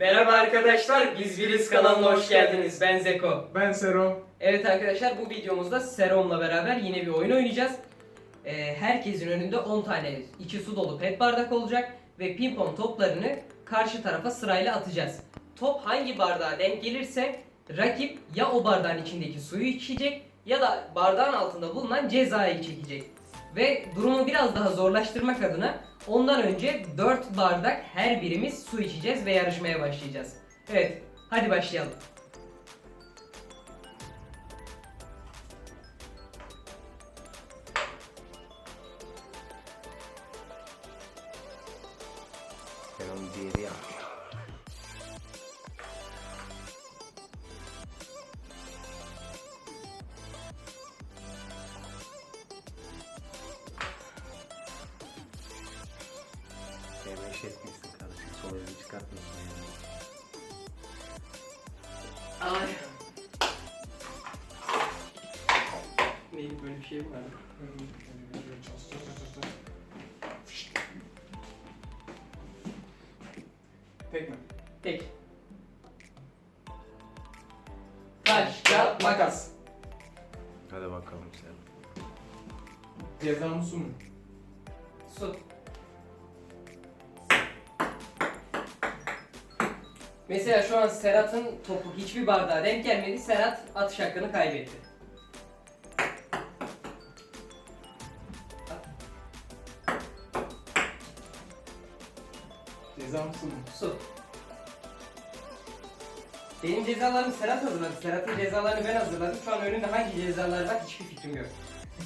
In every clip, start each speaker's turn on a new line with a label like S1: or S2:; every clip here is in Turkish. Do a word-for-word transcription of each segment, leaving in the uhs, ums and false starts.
S1: Merhaba arkadaşlar, biz Biriz kanalına hoş geldiniz. Ben Zeko.
S2: Ben Sero.
S1: Evet arkadaşlar, bu videomuzda Serom'la beraber yine bir oyun oynayacağız. Ee, herkesin önünde on tane içi su dolu pet bardak olacak ve pimpon toplarını karşı tarafa sırayla atacağız. Top hangi bardağa denk gelirse rakip ya o bardağın içindeki suyu içecek ya da bardağın altında bulunan cezayı çekecek. Ve durumu biraz daha zorlaştırmak adına ondan önce dört bardak her birimiz su içeceğiz ve yarışmaya başlayacağız. Evet, hadi başlayalım.
S3: Ben onu diğeri yap. Demeş etmişsin kardeşim. Sol elini çıkartmıyorsun yani.
S1: Ay. Neydi, böyle bir şey mi vardı?
S2: Tek mi?
S1: Tek. Taş, kağıt, makas.
S3: Hadi bakalım sen.
S2: Ceza mı su mu?
S1: Su. Mesela şu an Serhat'ın topu hiçbir bardağa denk gelmedi. Serhat atış hakkını kaybetti.
S2: Ceza mı su mu?
S1: Su. Benim cezalarımı Serhat hazırladı. Serhat'ın cezalarını ben hazırladım. Şu an önünde hangi cezalar var hiçbir fikrim yok.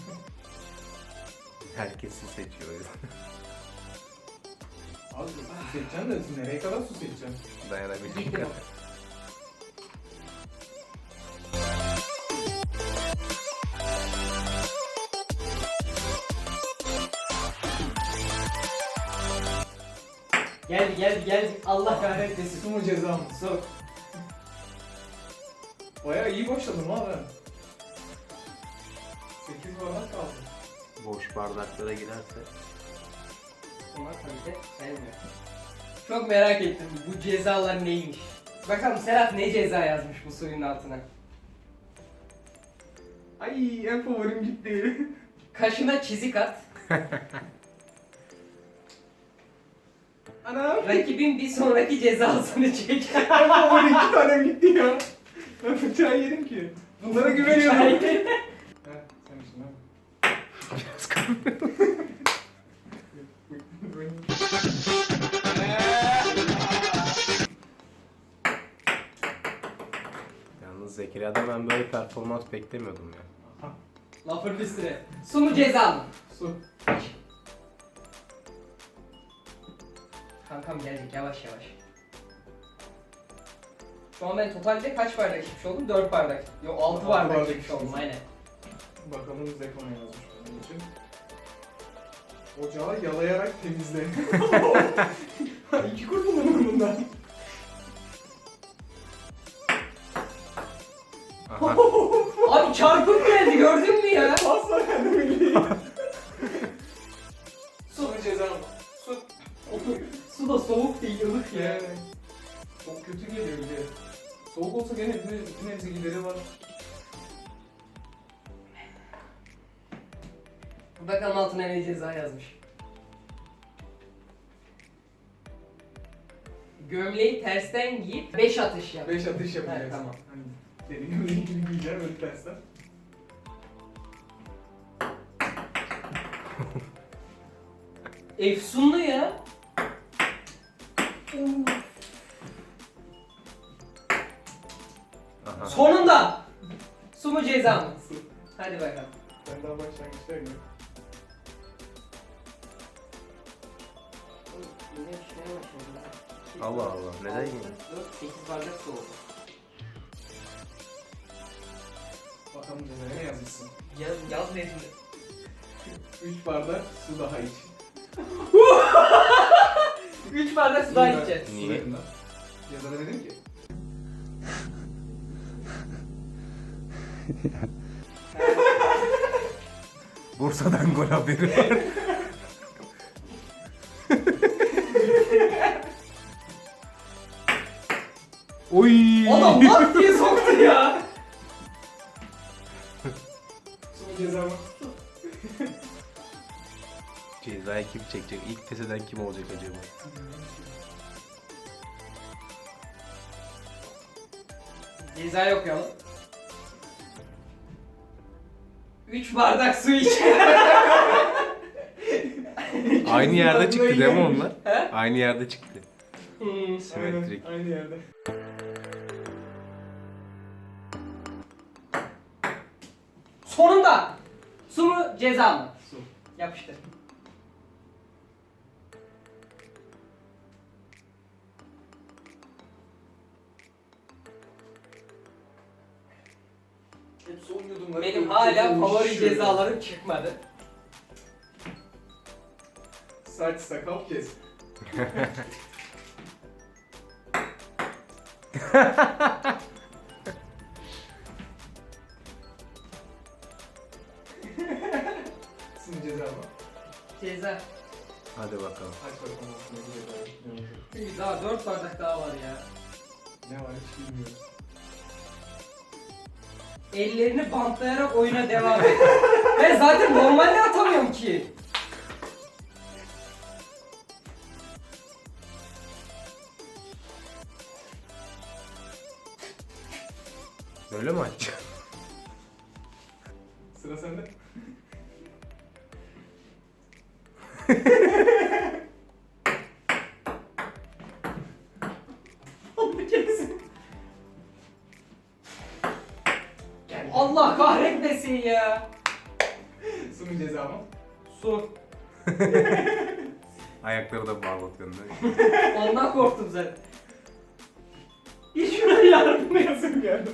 S3: Herkesi seçiyor o yüzden.
S2: Abi su seçeceksin de nereye kadar su seçeceksin?
S3: Dayanabildiğim
S1: Gittim.
S3: kadar.
S1: Geldi geldi geldi. Allah kahretmesin.
S2: Su mu ceza mı?
S1: Su.
S2: Bayağı iyi başladım ha ben. sekiz bardak kaldı.
S3: Boş bardaklara girerse.
S1: Ama tabii de sayılmıyor. Çok merak ettim bu cezalar neymiş. Bakalım Serhat ne ceza yazmış bu suyun altına.
S2: Ay en favorim gitti.
S1: Kaşına çizik at.
S2: Anam.
S1: Rakibin bir sonraki cezasını çek.
S2: En favorim iki tanem gitti ya. Ben bıçağı yerim ki. Bunlara güveniyorum. Heh, sen misin ha?
S3: Biraz kalmıyor. Yalnız Zekeriya'da ben böyle performans beklemiyordum ya.
S1: Lafın üstüne. Su mu ceza mı?
S2: Su.
S1: Kankam gelecek yavaş yavaş. Şu an ben totalde kaç bardak içmiş oldum? dört bardak. Yok altı
S2: Altı
S1: bardak
S2: bardak
S1: içmiş oldum
S2: içmişsin.
S1: aynen.
S2: Bakalım Zeko ne yazmış benim için. Ocağı yalayarak temizle. İki kurtulalım bundan.
S3: Aha.
S1: Abi çarpık geldi gördün mü ya?
S2: Asla kendimi bileyim. Su mu ceza mı? Su.
S1: Su da soğuk değil ılık ya.
S2: Yani. Çok kötü geliyor bir de. Soğuk olsa gene bir, bir nebze gideri var.
S1: Bakalım altına ne ceza yazmış. Gömleği tersten giyip beş atış yap.
S2: Beş atış yapacağız.
S1: Evet, tamam.
S2: Hani dediğim gibi giyeceğim öyle tersten.
S1: Efsunlu ya.
S3: Aha.
S1: Sonunda. Su mu ceza mı?
S2: Su.
S1: Hadi bakalım.
S2: Ben daha başlangıçtayım ya.
S1: Yine şuraya başladım.
S3: Allah Allah, neden yine?
S1: dört, sekiz bardak su oldu.
S2: Bakalım cezaya ne yazmışsın.
S1: Yaz, yaz verin.
S2: Üç bardak su daha iç.
S1: üç bardak su daha içeceğiz.
S3: Niye?
S2: Yazada dedim ki.
S3: Bursa'dan gol haberi var. Oy.
S1: Adam lak diye soktu ya.
S2: Son ceza mı?
S3: Cezayı kim çekecek? İlk pes eden kim olacak acaba?
S1: Cezayı okuyalım. üç bardak su iç.
S3: Aynı yerde çıktı değil mi onlar?
S1: He?
S3: Aynı yerde çıktı.
S1: Hmm.
S3: Simetrik.
S2: Aynen, aynı yerde.
S1: Sonunda. Su mu ceza mı?
S2: Su.
S1: Yapıştır.
S2: Hep son yudumları.
S1: Benim hala favori cezalarım çıkmadı.
S2: Saç sakal kes. Sizin ceza mı?
S1: Ceza.
S3: Hadi bakalım.
S2: Aç bakalım aslında bu ceza. Ne olacak?
S1: Daha dört bardak daha var ya.
S2: Ne var hiç bilmiyorum.
S1: Ellerini bantlayarak oyuna devam et. Ben zaten normalde atamıyorum ki.
S3: Böyle mi açacağım?
S2: Sıra sende.
S1: Allah kahretmesin ya.
S2: Sunun ceza mı?
S1: Su.
S3: Ayakları da bağlatıyorsun değil mi?
S1: Ondan korktum zaten. Bir şuna yardım et.
S2: Yazım geldi.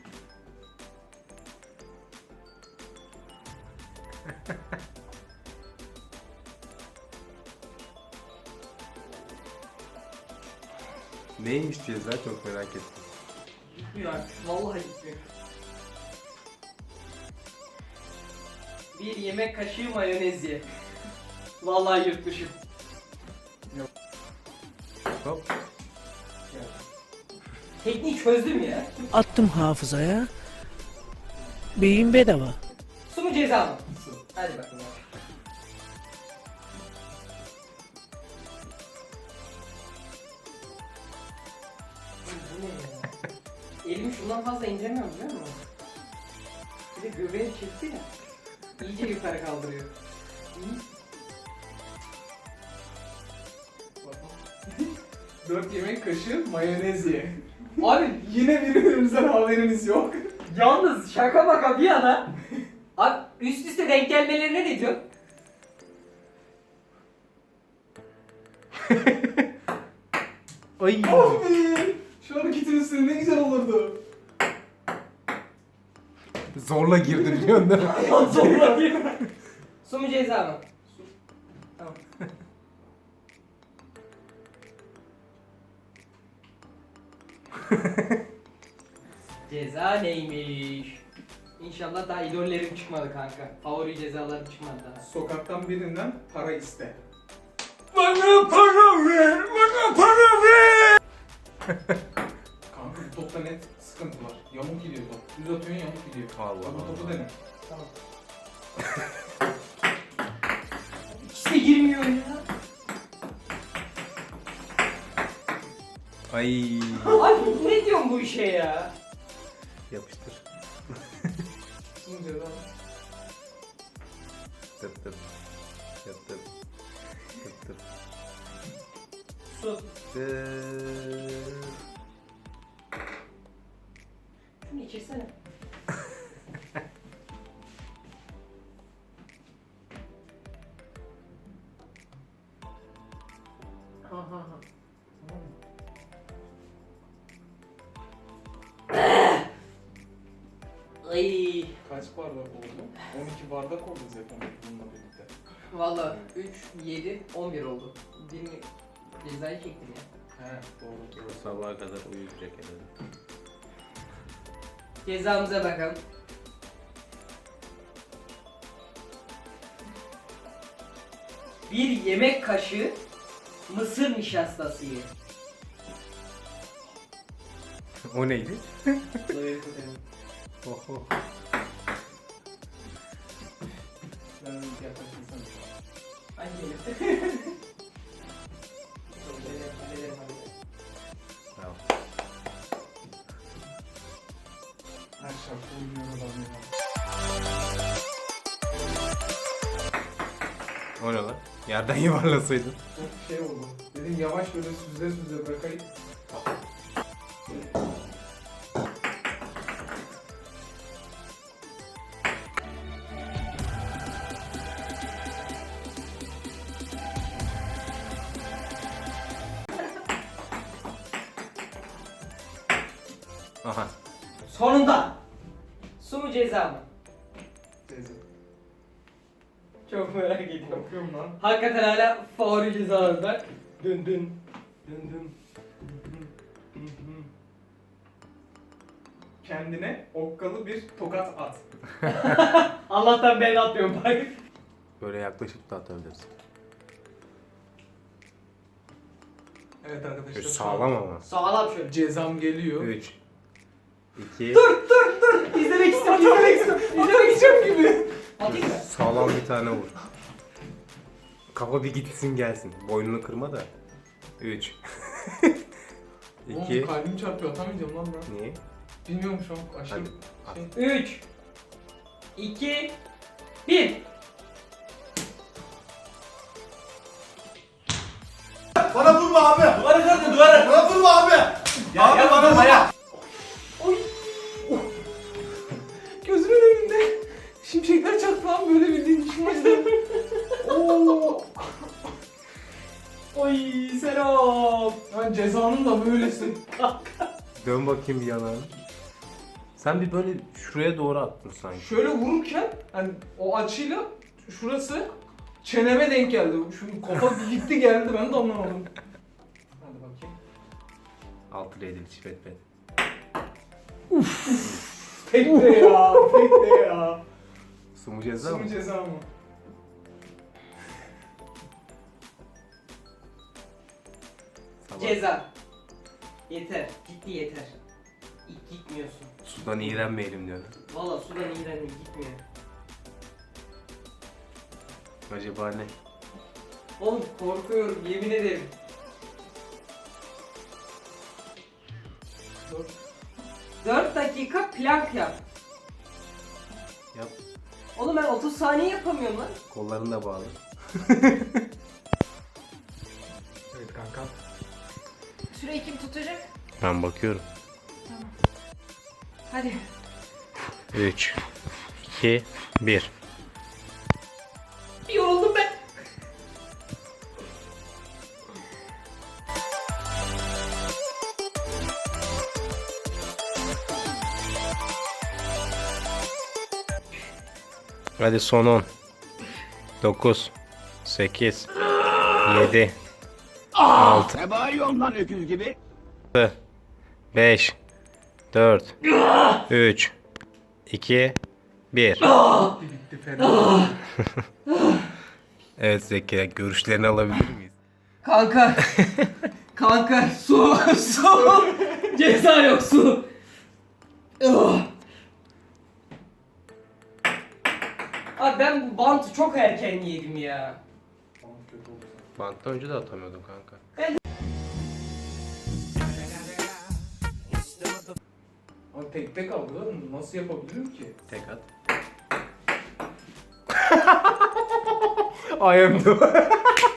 S3: Neymiş ceza çok merak ettim.
S1: Gitmiyor artık. Vallahi gitmiyor. Bir yemek kaşığı mayonez ye. Vallahi yırtmışım.
S3: Hop.
S1: Tekniği çözdüm ya.
S4: Attım hafızaya. Beyin bedava.
S1: Su mu ceza mı?
S2: Su.
S1: Hadi bakalım. Bu ne ya? Elimi şundan fazla indiremiyorum biliyor musun? Bir de göbeğim çekti ya. İyice yukarı kaldırıyor. Hı?
S2: Dört yemek kaşığı mayonez ye.
S1: Abi
S2: Yine birbirimizden haberimiz yok.
S1: yalnız şaka maka bir yana. Abi üst üste denk gelmelerine ne diyor?
S3: Ay.
S2: Abi! Şu hareketin üstüne ne güzel olurdu.
S3: Zorla girdi biliyorsun değil mi?
S1: Zorla değil mi? Su mu ceza mı? Su. Tamam. Ceza neymiş? İnşallah daha idollerim çıkmadı kanka. Favori cezalarım çıkmadı daha.
S2: Sokaktan birinden para iste.
S3: Bana para ver, bana para ver.
S2: Kanka bu topta net sıkıntı var. Yamuk gidiyor top. Düz atıyorsun yamuk gidiyor.
S3: Allah
S2: Bak bu topu
S3: Allah.
S2: dene.
S1: Tamam. İkisi de girmiyor ya.
S3: Ay.
S1: Abi ne diyorsun bu işe ya?
S3: Yapıştır.
S2: Sunun ceza mı?
S3: Tıp tıp. Tıp tıp. Tıp tıp.
S1: Su.
S3: Tıp.
S1: Şunu içirsene. Ha ha ha.
S2: Tamam mı?
S1: Ay.
S2: Kaç bardak oldu? on iki bardak oldu zaten bununla birlikte.
S1: Valla üç, yedi, on bir oldu. Birini cezayı çektim ya.
S2: He doğru.
S3: Bu sabaha kadar uyuyacak herhalde.
S1: Cezamıza bakalım. Bir yemek kaşığı mısır nişastası ye.
S3: O neydi?
S2: Dayı tutayım.
S3: Oh, oh.
S2: Ben yaklaşırsam.
S1: Ay gelir.
S3: Bravo.
S2: Her şarkı oynuyor adam ya.
S3: O ne lan? Yerden yuvarlasaydın.
S2: Çok şey oldu. Dedim yavaş böyle süzle süzle bırakayım.
S3: Aha.
S1: Sonunda. Su mu ceza mı?
S2: Teyze.
S1: Çok merak ediyorum.
S2: Bakıyorum lan.
S1: Hakikaten hala favori cezalarında. Dün dün. Dün dün.
S2: Kendine okkalı bir tokat at.
S1: Allah'tan ben atmıyorum bak.
S3: Böyle yaklaşıp da atabilirsin.
S2: Evet arkadaşlar.
S3: Böyle
S2: şu
S3: sağlam
S2: an
S3: ama.
S1: Sağlam şöyle.
S2: Cezam geliyor.
S3: üç iki
S1: İzlemek istiyorum, izlemek istiyorum. İzlemek istiyorum gibi. Atayım mı?
S3: Sağlam bir tane vur. Kafa bir gitsin gelsin. Boynunu kırma da. üç iki
S2: Oğlum kalbim çarpıyor, atamayacağım lan ben.
S3: Niye?
S2: Bilmiyorum şu an aşırı
S3: Hadi, at.
S2: şey.
S1: üç iki bir.
S5: Bana vurma abi. Duvara kırdı duvara. Bana vurma abi. Ya, abi bana vurma. Ya.
S2: Oy. Gözümün önünde şimşekler çaktı lan, böyle bildiğin düşmezdi. Oo.
S1: Oy Serap.
S2: Ben cezanın da böylesi.
S3: Dön bakayım bir yanağını. Sen bir böyle şuraya doğru attın sanki.
S2: Şöyle vururken hani o açıyla şurası çeneme denk geldi. Şu kafa bir gitti geldi, ben de anlamadım. Hadi bakayım.
S3: Altı redil çipet pet.
S2: Tek de ya, tek de ya.
S3: Su mu ceza
S2: Su
S3: mı?
S2: mu ceza mı?
S3: Sabah.
S1: Ceza. Yeter. Ciddi yeter. İlk gitmiyorsun.
S3: Sudan iğrenmeyelim diyorsun.
S1: Valla sudan iğrendim gitmiyor.
S3: Acaba ne?
S1: Oğlum korkuyorum yemin ederim.
S2: Dört.
S1: dört dakika plank yap.
S3: Yap.
S1: Oğlum ben otuz saniye yapamıyorum lan.
S3: Kollarını da bağlı.
S2: Evet kanka.
S1: Süreyi kim tutacak?
S3: Ben bakıyorum.
S1: Hadi.
S3: üç iki bir
S1: Yoruldum ben.
S3: Hadi son on. dokuz sekiz yedi altı
S5: Ne bağırıyorsun lan öküz gibi?
S3: beş dört üç iki bir
S2: Bitti bitti fena.
S3: Evet Zekeriya, görüşlerini alabilir miyiz?
S1: Kanka. Kanka su su. Ceza yok su. Ugh. Abi ben bu bantı çok erken yedim ya.
S2: Tamam, kötü oldu.
S3: Banttan önce de atamıyordum kanka.
S2: Ama tek tek aldı lan, nasıl yapabilirim ki?
S3: Tek at. I am the...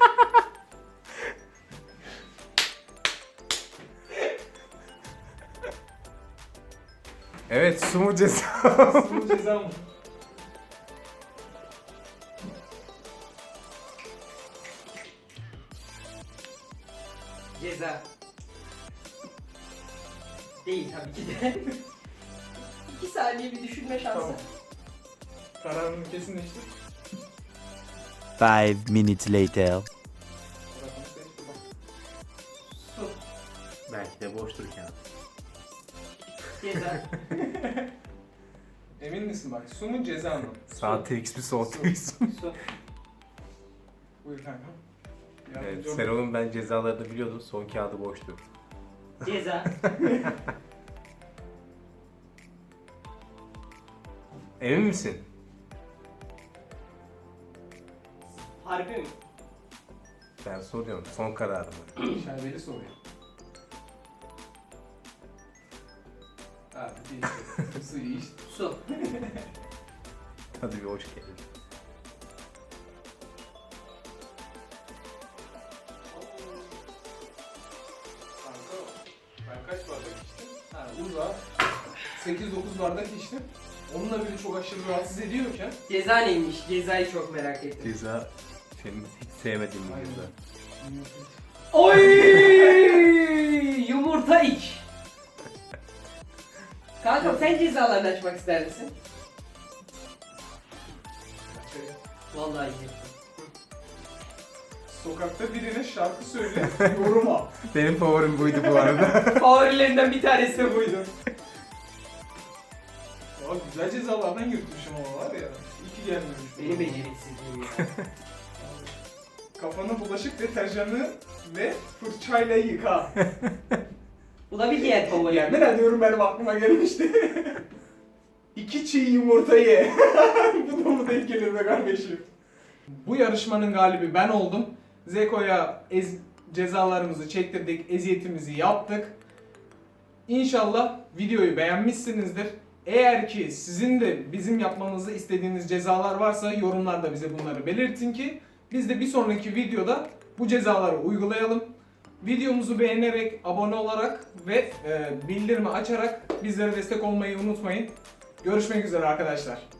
S3: Evet, su mu ceza?
S2: Su mu ceza mı?
S1: Ceza. Değil tabii ki de. İki saniye bir düşünme şansı.
S2: Tamam. Kararını kesinleştir.
S6: Five minutes later.
S2: Kararını seçti bak.
S1: Su.
S3: Belki de boştur kağıt.
S1: Ceza.
S2: Emin misin bak, su mu ceza mı?
S3: Sağ T X mi sol T X mi?
S1: Su.
S2: Buyur kanka.
S3: Evet,
S2: Yardımcı ol.
S3: Serol'un ben cezalarını biliyordum. Son kağıdı boştu.
S1: Ceza.
S3: Emin misin?
S1: Harbi mi?
S3: Ben soruyorum. Son kararımı.
S2: Şerbeli soruyor. Hadi değil. Suyu iç.
S1: Su.
S3: Hadi bir hoş geldin.
S2: Kanka ben kaç bardak içtim? Ha uza. sekiz dokuz bardak içtim. Onunla bile çok aşırı rahatsız ediyorken.
S1: Ceza neymiş? Cezayı çok merak ettim.
S3: Ceza senin hiç sevmediğin bir
S2: Aynen.
S3: ceza.
S1: Oy! Yumurta iç. Kankam sen cezalarını açmak ister misin? Vallahi iyi.
S2: Sokakta birine şarkı söyle, yoruma.
S3: Benim favorim buydu bu arada.
S1: Favorilerinden bir tanesi de buydu.
S2: Aa, güzel cezalardan yırtmışım ama var ya. İyi ki gelmemiş.
S1: Benim beceriksizliğim ya.
S2: Kafana bulaşık deterjanı ve fırçayla yıka.
S1: Bu da bir diğer favori.
S2: Yemin ediyorum benim aklıma gelmişti. İki çiğ yumurta ye. Bu da mı denk gelir be kardeşim? Bu yarışmanın galibi ben oldum. Zeko'ya ez- cezalarımızı çektirdik, eziyetimizi yaptık. İnşallah videoyu beğenmişsinizdir. Eğer ki sizin de bizim yapmamızı istediğiniz cezalar varsa yorumlarda bize bunları belirtin ki biz de bir sonraki videoda bu cezaları uygulayalım. Videomuzu beğenerek, abone olarak ve e, bildirimi açarak bizlere destek olmayı unutmayın. Görüşmek üzere arkadaşlar.